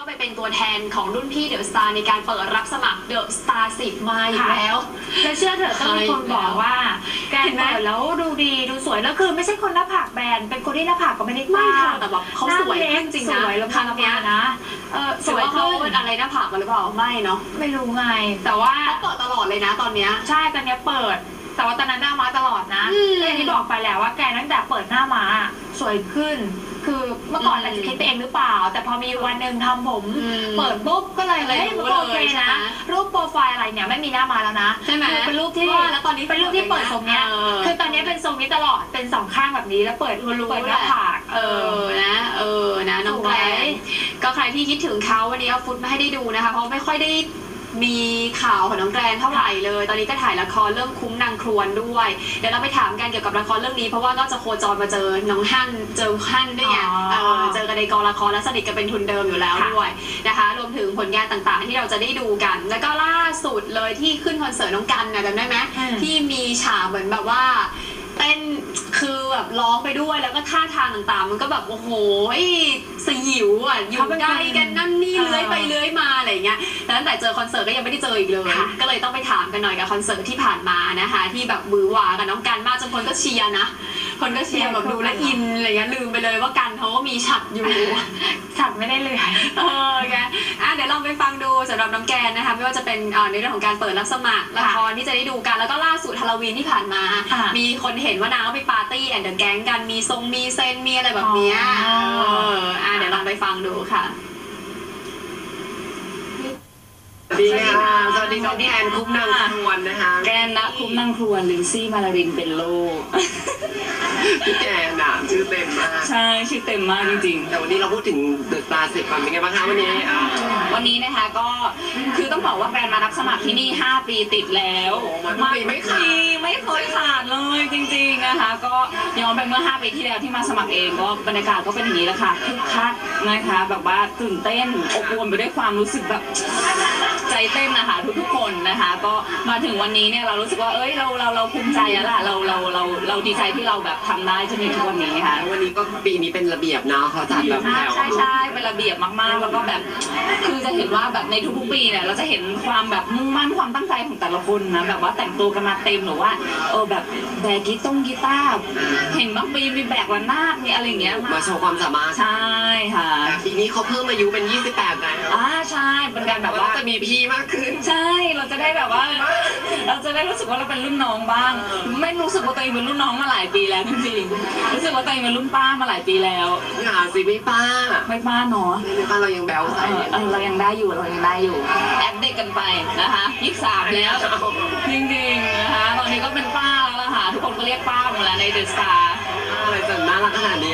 ไปเป็นตัวแทนของรุ่นพี่เดอะสตาร์ในการเปิดรับสมัครเดอะสตาร์10มาอีกแล้วและเชื่อเถอะต้องมีคนบอกว่าแกเปิดแล้วดูดีดูสวยแล้วคือไม่ใช่คนหน้าผากแบนเป็นคนที่หน้าผากก็ไม่ได้กว้างแต่แบบเขาสวยจริงนะครั้งนี้นะสวยเขาเป็นอะไรหน้าผากกันหรือเปล่าไม่เนาะไม่รู้ไงแต่ว่าเขาเปิดตลอดเลยนะตอนเนี้ยใช่ตอนนี้เปิดแต่ว่าตอนนั้นหน้าม้าตลอดนะอย่างที่บอกไปแล้วว่าแกตั้งแต่เปิดหน้าม้าสวยขึ้นคือเมื่อก่อนอาจจะคิดไปเองหรือเปล่าแต่พอมีวันหนึ่งทำผมเปิดปุ๊บก็เลยโอเคนะรูปโปรไฟล์อะไรเนี่ยไม่มีหน้าม้าแล้วนะใช่ไหมเป็นรูปที่แล้วตอนนี้เป็นรูปที่เปิดทรงเนี้ยคือตอนนี้เป็นทรงนี้ตลอดเป็น2ข้างแบบนี้แล้วเปิดหน้าผากนะน้องแกรนก็ใครที่คิดถึงเขาวันนี้เอาฟุตมาให้ได้ดูนะคะเพราะไม่ค่อยได้มีข่าวของน้องแกรนเท่าไหร่เลยตอนนี้ก็ถ่ายละครเรื่องคุ้มนางครวนด้วยเดี๋ยวเราไปถามกันเกี่ยวกับละครเรื่องนี้เพราะว่าก็จะโคจรมาเจอน้องฮั่นเจอฮั่นด้วยไงเจอกันในกองละครและสนิทกันเป็นทุนเดิมอยู่แล้วด้วยนะคะรวมถึงผลงานต่างๆที่เราจะได้ดูกันแล้วก็ล่าสุดเลยที่ขึ้นคอนเสิร์ตน้องกันนะจำได้ไหมที่มีฉากเหมือนแบบว่าเต้นคือแบบร้องไปด้วยแล้วก็ท่าทางต่างๆมันก็แบบโอ้โหสยิวอ่ะอยู่ใกล้กันนั่นนี่เลื้อยไปเลื้อยมาอะไรเงี้ยแต่ตั้งแต่เจอคอนเสิร์ตก็ยังไม่ได้เจออีกเลยก็เลยต้องไปถามกันหน่อยกับคอนเสิร์ตที่ผ่านมานะคะที่แบบมือหวากับน้องกันมากจนคนก็เชียร์นะคนก็เชียร์แบบดูแลอินอะไรเงี้ยลืมไปเลยว่ากันเขาก็มีฉัดอยู่ฉัดไม่ได้เลยแกเดี๋ยวลองไปฟังดูสำหรับน้องแกนนะคะไม่ว่าจะเป็นในเรื่องของการเปิดรับสมัครละครที่จะได้ดูกันแล้วก็ล่าสุดฮาโลวีนที่ผ่านมามีคนเห็นว่านางก็ไปปาร์ตี้แอนด์เดอะแก๊งกันมีมีเซนมีอะไรแบบนี้เดี๋ยวลองไปฟังดูค่ะสวัสดีค่ะสวัสดีน้องแกนคุ้มนางครวนนะคะแกนนะคุ้มนางครวนลินซี่มาลารินเป็นโลพี่แกนน่ะชื่อเต็มมากใช่ชื่อเต็มมากจริงๆแต่วันนี้เราพูดถึงเดอะสตาร์10เป็นไงบ้างคะวันนี้นะคะก็คือต้องบอกว่าแกรนมารับสมัครที่นี่5 ปีติดแล้วไม่เคยขาดเลยจริงๆนะคะก็ย้อนไปเมื่อ5 ปีที่แล้วที่มาสมัครเองก็บรรยากาศก็เป็นอย่างนี้แหละค่ะคึกคักนะคะแบบว่าตื่นเต้นอบอวลไปด้วยความรู้สึกแบบใจเต้นนะคะทุกคนนะคะก็มาถึงวันนี้เนี่ยเรารู้สึกว่าเราภูมิใจแล้วล่ะเราดีใจที่เราแบบทำได้จนถึงทุกวันนี้ค่ะวันนี้ก็ปีนี้เป็นระเบียบนะเขาจัดแบบใช่เป็นระเบียบมากๆแล้วก็แบบคือจะเห็นว่าแบบในทุกๆปีเนี่ยเราจะเห็นความแบบมุ่งมั่นความตั้งใจของแต่ละคนนะแบบว่าแต่งตัวกันมาเต็มหรือว่าแบบแบกกีตาร์เห็นบางปีมีแบกระนาดมีอะไรอย่างเงี้ยมาโชว์ความสามารถใช่ค่ะปีนี้เขาเพิ่มอายุเป็น28แล้วใช่เป็นการแบบว่าจะมีพี่มากขึ้นใช่เราจะได้แบบว่าเราจะได้รู้สึกว่าเราเป็นรุ่นน้องบ้างไม่รู้สึกว่าตัวเองเป็นรุ่นน้องมาหลายปีแล้วจริงๆรู้สึกว่าตัวเองเป็นรุ่นป้ามาหลายปีแล้วอย่าสิไม่ป้าเนาะไม่ป้าเรายังแบ๊วใส่เรายังได้อยู่แอบเด็กกันไปนะคะ23แล้วจริงๆนะคะตอนนี้ก็เป็นป้าแล้วล่ะค่ะทุกคนก็เรียกป้าหมดแล้วในเดอะสตาร์อะไรจะน่ารักขนาดนี้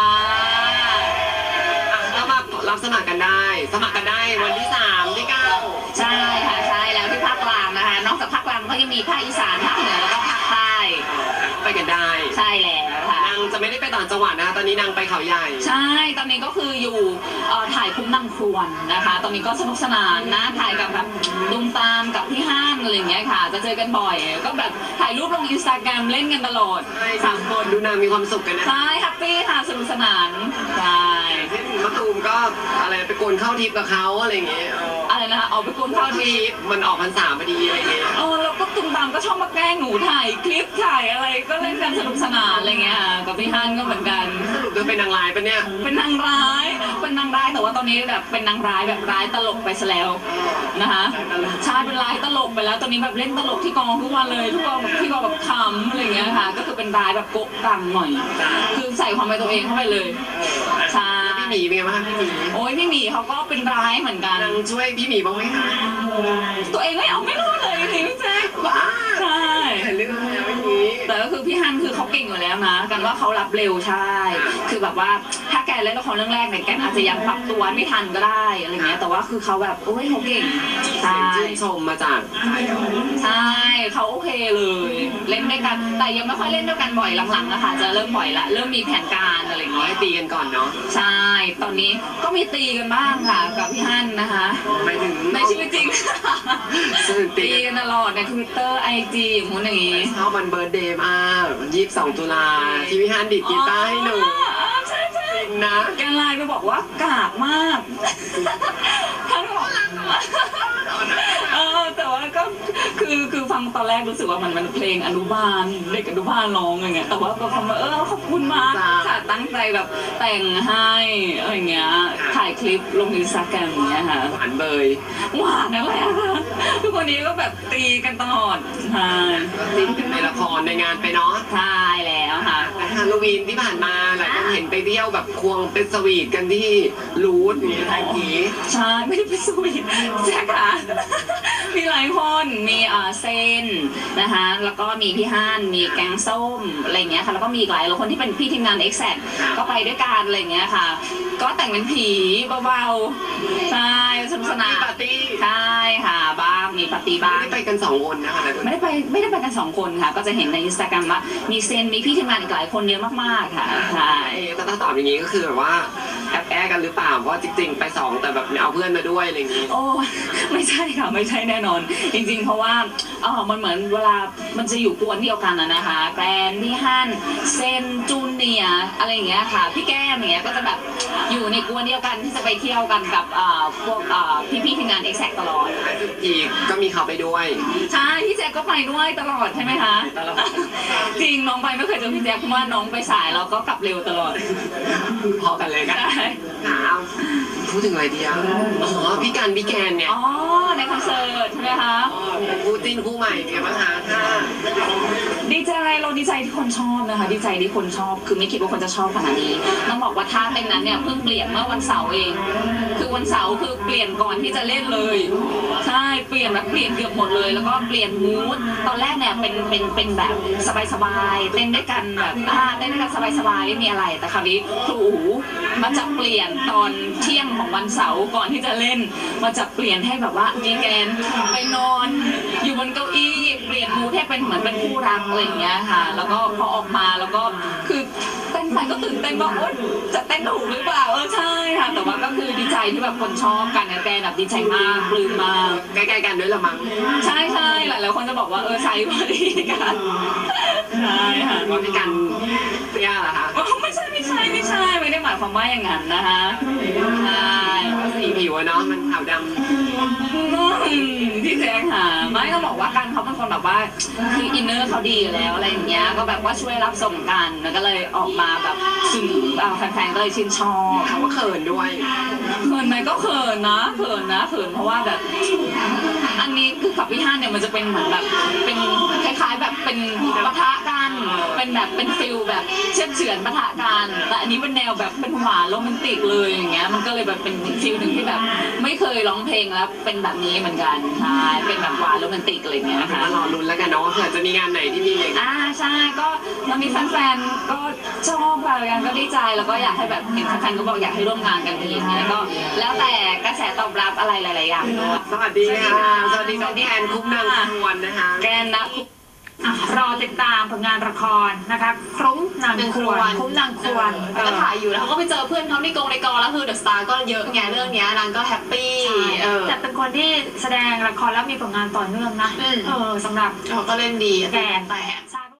ถ้ามารับสมัครกันได้วันที่3 ที่ 9 ใช่ค่ะใช่แล้วที่ภาคกลางนะคะนอกจากภาคกลางก็ยังมีภาคอีสานภาคเหนือแล้วก็ภาคใต้ไปกันได้ใช่แล้วค่ะนางจะไม่ได้ไปต่างจังหวัดนะตอนนี้นางไปเขาใหญ่ใช่ตอนนี้ก็คืออยู่ถ่ายคุ้มนางครวนนะคะตอนนี้ก็สนุกสนานนะถ่ายกับแบบดุมตามกับพี่ฮั่นอะไรอย่างเงี้ยค่ะจะเจอกันบ่อยก็แบบถ่ายรูปลง Instagram เล่นกันตลอด 3 คนดูนางมีความสุขกันนะใช่แฮปปี้ค่ะสนุกสนานใช่มะตูมก็อะไรไปโกนเข้าทิพย์กับเขาอะไรอย่างเงี้ยอะไรนะคะเอาไปโกนเข้าทิพย์มันออกพรรษาพอดีอะไรเงี้ยแล้วก็ตุ้มตามก็ชอบมาแกล้งหนูถ่ายคลิปถ่ายอะไรก็เล่นกันสนุกสนานอะไรเงี้ยกับพี่ฮั่นก็เหมือนกันสรุปจะเป็นนางร้ายปะเนี่ยเป็นนางร้ายแต่ว่าตอนนี้แบบเป็นนางร้ายแบบร้ายตลกไปซะแล้วนะคะใช่เป็นร้ายตลกไปแล้วตอนนี้แบบเล่นตลกที่กองทุกวันเลยทุกกองแบบที่กองแบบขำอะไรเงี้ยค่ะก็คือเป็นร้ายแบบโกะกังหน่อยคือใส่ความเป็นตัวเองเข้าไปเลยใช่พี่หมีเป็นไงบ้างพี่หมีโอ้ยพี่หมีเขาก็เป็นร้ายเหมือนกันนางช่วยพี่หมีบ้างไหมคะตัวเองไม่รอดเลยจริงๆพี่แจ๊คใช่เรื่องแล้วอย่างนี้แต่ก็คือพี่ฮั่นคือเขาเก่งอยู่แล้วนะกันว่าเขารับเร็วใช่คือแบบว่าถ้าแกเล่นละครเรื่องแรกเนี่ยแกอาจจะยังปรับตัวไม่ทันก็ได้อะไรเงี้ยแต่ว่าคือเขาแบบโอ้ยเขาเก่งใช่ชื่นชมมาจากใช่เขาโอเคเลยเล่นด้วยกันแต่ยังไม่ค่อยเล่นด้วยกันบ่อยหลังๆนะคะจะเริ่มบ่อยละเริ่มมีแผนการอะไรเงี้ยให้ตีกันก่อนเนาะใช่ตอนนี้ก็มีตีกันบ้างค่ะกับพี่ฮั่นนะคะไม่ถึงในชีวิตจริงตีกันตลอดใน Twitter IG อย่างนู้นอย่างนี้ชอบวันเบิร์ธเดย์มาก22 ตุลาที่พี่ฮั่นดิดกีตาร์ให้หนูนะแกไลน์ไปบอกว่ากากมากฟังตอนแรกรู้สึกว่ามันเพลงอนุบาลเด็กอนุบาลร้องอย่างเงี้ยแต่ว่าก็คำว่าขอบคุณมากค่ะตั้งใจแบบแต่งให้อะไรเงี้ยถ่ายคลิปลงอินสตาแกรมอย่างเงี้ยค่ะหวานเบยหวานอะไรอะคะทุกวันนี้ก็แบบตีกันตลอดใช่ซิ้นกันในละครในงานไปเนาะใช่แล้วค่ะแต่ฮาโลวีนที่ผ่านมาหลายคนเห็นไปเที่ยวแบบควงเป็นสวีทกันที่รูทมีไทยผีใช่ไม่ได้ไปสวีทแจ๊คค่ะมีหลายคนมีเซนนะคะแล้วก็มีพี่ฮั่นมีแกงส้มอะไรเงี้ยค่ะแล้วก็มีอีกหลายคนที่เป็นพี่ทีมงาน Exact ก็ไปด้วยกันอะไรเงี้ยค่ะก็แต่งเป็นผีเบาๆใช่สนุกสนานปาร์ตี้ใช่ค่ะบ้างมีปาร์ตี้บ้างไม่ได้ไปกัน2 คนนะคะหลายคนไม่ได้ไปกัน2 คนค่ะก็จะเห็นในอินสตาแกรมว่ามีเซนมีพี่ทีมงานอีกหลายคนเยอะมากๆค่ะใช่แต่ถ้าตอบอย่างนี้ก็คือแบบว่าแอบกันหรือเปล่าเพราะจริงๆไป2แต่แบบเอาเพื่อนมาด้วยอะไรอย่างนี้โอ้ไม่ใช่ค่ะไม่ใช่แน่นอน จริงๆเพราะว่ามันเหมือนเวลามันจะอยู่กวนเดียวกันนะคะแกรนพี่ฮั่นเซนจูเนียร์อะไรอย่างเงี้ยค่ะพี่แก้มอย่างเงี้ยก็จะแบบอยู่ในกวนเดียวกันที่จะไปเที่ยวกันกับพวกพี่ๆทีมงาน Exact ตลอดอีกก็มีเขาไปด้วยใช่พี่แจ๊คก็ไปด้วยตลอดใช่ไหมคะตลอดจริงน้องไปไม่เคยเจอพี่แจ๊คเพราะว่าน้องไปสายแล้วก็กลับเร็วตลอดพอกันเลยกันใช่ค่ะพูดถึงอะไรดีอ่ะอ๋อพี่กันพี่แกนเนี่ยอ๋อในคอนเสิร์ตใช่ไหมคะคู่จิ้นคู่ใหม่เนี่ยมั้งคะค่ะดีใจเราดีใจที่คนชอบนะคะดีใจที่คนชอบคือไม่คิดว่าคนจะชอบขนาดนี้ต้องบอกว่าท่าเต้นนั้นเนี่ยเพิ่งเปลี่ยนเมื่อวันเสาร์เอง คือวันเสาร์คือเปลี่ยนก่อนที่จะเล่นเลยใช่เปลี่ยนแบบเปลี่ยนเกือบหมดเลย แล้วก็เปลี่ยนมูดตอนแรกเนี่ยเป็นแบบสบายๆเต้นด้วยกันแบบเต้นด้วยกันสบายๆไม่มีอะไรแต่คราวนี้ครูอู๋มาจะเปลี่ยนตอนเที่ยงของวันเสาร์ก่อนที่จะเล่นมาจะเปลี่ยนให้แบบว่าดีแกนไปนอนอยู่บนเก้าอี้เปลี่ยนมูดให้เป็นเหมือนเป็นคู่รักอะไรอย่างเงี้ยค่ะแล้วก็พอออกมาแล้วก็คือเต้นไปก็ตื่นเต้นว่าโอ๊ยจะเต้นถูกหรือเปล่าใช่ค่ะแต่ว่าก็คือดีใจที่แบบคนชอบกันแกนแบบดีใจมากปลื้มมากใกล้ๆกันด้วยละมั้งใช่ใช่หลายๆคนจะบอกว่าใส่พอดีกันใช่ค่ะว่าพี่กันเตี้ยเหรอคะไม่ใช่ไม่ได้หมายความว่าอย่างนั้นนะคะใช่สีผิวอะเนาะมันขาวดำพี่แจ๊คค่ะไม่ต้องบอกว่ากันเขาเป็นคนแบบว่าคืออินเนอร์เขาดีอยู่แล้วอะไรอย่างเงี้ยก็แบบว่าช่วยรับส่งกันแล้วก็เลยออกมาแบบซึ่งแฟนๆก็เลยชื่นชอบเขาก็เขินด้วยเขินไหมก็เขินนะเขินเพราะว่าแบบอันนี้คือกับพี่ฮั่นเนี่ยมันจะเป็นเหมือนแบบเป็นคล้ายๆแบบเป็นปะทะกันเป็นแบบเป็นฟิลแบบเชื่อเฉือนปะทะกันแต่อันนี้เป็นแนวแบบเป็นหวานโรแมนติกเลยอย่างเงี้ยมันก็เลยแบบเป็นฟิลหนึ่งที่แบบไม่เคยร้องเพลงแล้วเป็นแบบนี้เหมือนกันใช่เป็นแบบหวานโรแมนติกอะไรอย่างเงี้ยค่ะมารอลุ้นแล้วกันเนาะว่าเผื่อจะมีงานไหนที่มีอย่างใช่ก็เรามีแฟนๆก็ชอบอะไรกันก็ดีใจแล้วก็อยากให้แบบเห็นแฟนๆก็บอกอยากให้ร่วมงานกันอีกอย่างเงี้ยก็แล้วแต่กระแสตอบรับอะไรหลายๆอย่างด้วยสวัสดีค่ะสวัสดีน้องแอนคุ้มนางควรนะคะแกนนะรอติดตามผลงานละครนะคะคลุ้มนางควรคุ้มนางควรก็ถ่ายอยู่แล้วเขาก็ไปเจอเพื่อนเขาในกองแล้วคือเดอะสตาร์ก็เยอะไงเรื่องเนี้ยนางก็แฮปปี้แต่เป็นคนที่แสดงละครแล้วมีผลงานต่อเนื่องนะสำหรับเขาก็เล่นดีแกนแต่ใช่